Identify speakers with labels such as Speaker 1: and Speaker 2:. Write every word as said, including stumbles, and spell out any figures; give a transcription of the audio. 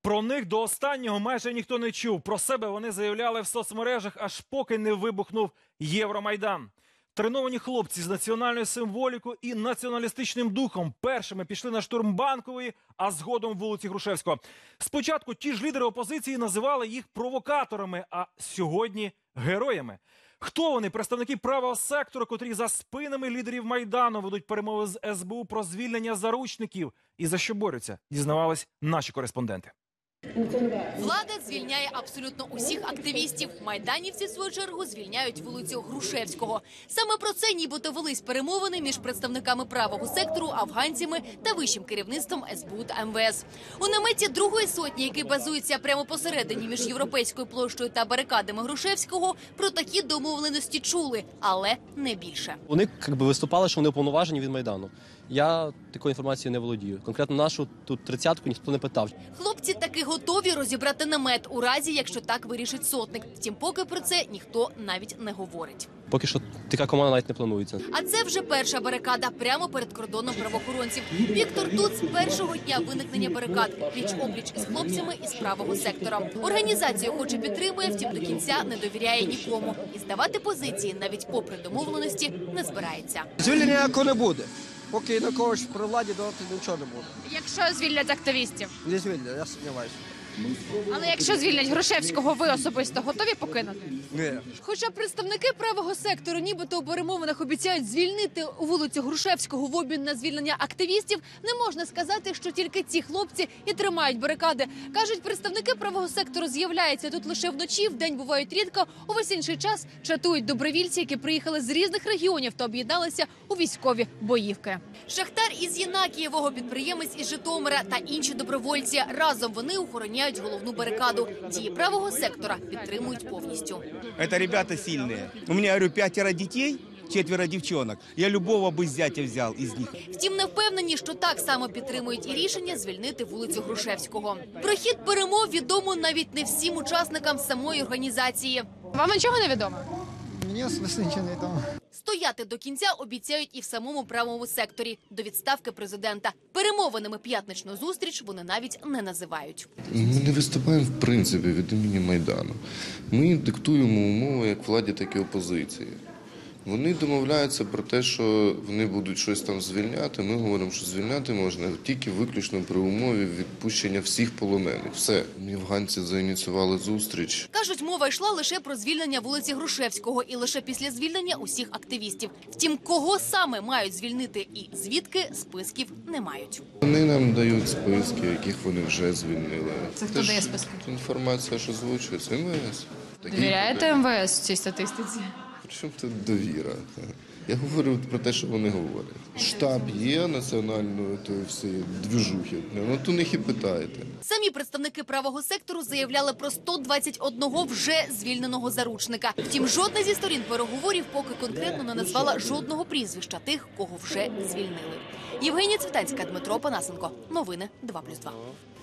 Speaker 1: Про них до останнього майже ніхто не чув. Про себе вони заявляли в соцмережах, аж поки не вибухнув Євромайдан. Треновані хлопці з національною символікою і націоналістичним духом першими пішли на штурм Банкової, а згодом вулиці Грушевського. Спочатку ті ж лідери опозиції називали їх провокаторами, а сьогодні – героями. Хто вони? Представники правого сектору, котрі за спинами лідерів Майдану ведуть перемови з ес бе у про звільнення заручників. І за що борються, дізнавались наші кореспонденти.
Speaker 2: Влада звільняє абсолютно усіх активістів. Майданівці, в свою чергу, звільняють вулицю Грушевського. Саме про це нібито велись перемовини між представниками правого сектору, афганцями та вищим керівництвом ес бе у та ем ве ес. У наметі Другої сотні, який базується прямо посередині між Європейською площею та барикадами Грушевського, про такі домовленості чули, але не більше.
Speaker 3: Вони якби виступали, що вони уповноважені від Майдану. Я такою інформацією не володію. Конкретно нашу тут тридцятку ніхто не питав.
Speaker 2: Хлопці таки готові розібрати намет у разі, якщо так вирішить сотник. Втім, поки про це ніхто навіть не говорить.
Speaker 3: Поки що така команда навіть не планується.
Speaker 2: А це вже перша барикада прямо перед кордоном правоохоронців. Віктор тут з першого дня виникнення барикад пліч-опліч із хлопцями із правого сектора. Організацію хоч і підтримує, втім до кінця не довіряє нікому. І здавати позиції навіть попри домовленості не збирається.
Speaker 4: Звільнення ніякого не буде. Поки на когось при владі давати нічого не буде.
Speaker 5: Якщо звільнять активістів?
Speaker 4: Не звільнять, я сумніваюся.
Speaker 5: Але якщо звільнять Грушевського, ви особисто готові покинути?
Speaker 4: Ні.
Speaker 2: Хоча представники правого сектору нібито у перемовинах обіцяють звільнити вулицю Грушевського в обмін на звільнення активістів, не можна сказати, що тільки ці хлопці і тримають барикади. Кажуть, представники правого сектору з'являються тут лише вночі, вдень бувають рідко, увесь інший час чатують добровільці, які приїхали з різних регіонів та об'єдналися у військові боївки. Шахтар із Єнакієвого, підприємець із Житомира та інші добровольці. Разом вони охороняють головну барикаду. Дії правого сектора підтримують повністю.
Speaker 6: Це ребята сильні. У мене, говорю, п'ятеро дітей, четверо дівчонок. Я любого би зятя взяв із них.
Speaker 2: Втім, не впевнені, що так само підтримують і рішення звільнити вулицю Грушевського. Про хід перемов відомо навіть не всім учасникам самої організації.
Speaker 5: Вам нічого не відомо?
Speaker 4: Мені особисто нічого не відомо.
Speaker 2: Стояти до кінця обіцяють і в самому правому секторі до відставки президента. Перемовинами п'ятничну зустріч вони навіть не називають.
Speaker 7: Ми не виступаємо в принципі від імені Майдану. Ми диктуємо умови як владі, так і опозиції. Вони домовляються про те, що вони будуть щось там звільняти. Ми говоримо, що звільняти можна тільки виключно при умові відпущення всіх полонених. Все. Афганці заініціювали зустріч.
Speaker 2: Кажуть, мова йшла лише про звільнення вулиці Грушевського і лише після звільнення усіх активістів. Втім, кого саме мають звільнити і звідки, списків не мають.
Speaker 7: Вони нам дають списки, яких вони вже звільнили.
Speaker 5: Це хто дає списки?
Speaker 7: Інформація, що звучується, ем ве ес.
Speaker 5: Довіряєте ем ве ес в цій статистиці?
Speaker 7: Причому тут довіра? Я говорю про те, що вони говорять. Штаб є національної тої всієї двіжухи. Ну, то них і питаєте.
Speaker 2: Самі представники правого сектору заявляли про сто двадцять одного вже звільненого заручника. Втім, жодна зі сторін переговорів поки конкретно не назвала жодного прізвища тих, кого вже звільнили. Євгенія Цвітанська, Дмитро Панасенко. Новини два плюс два.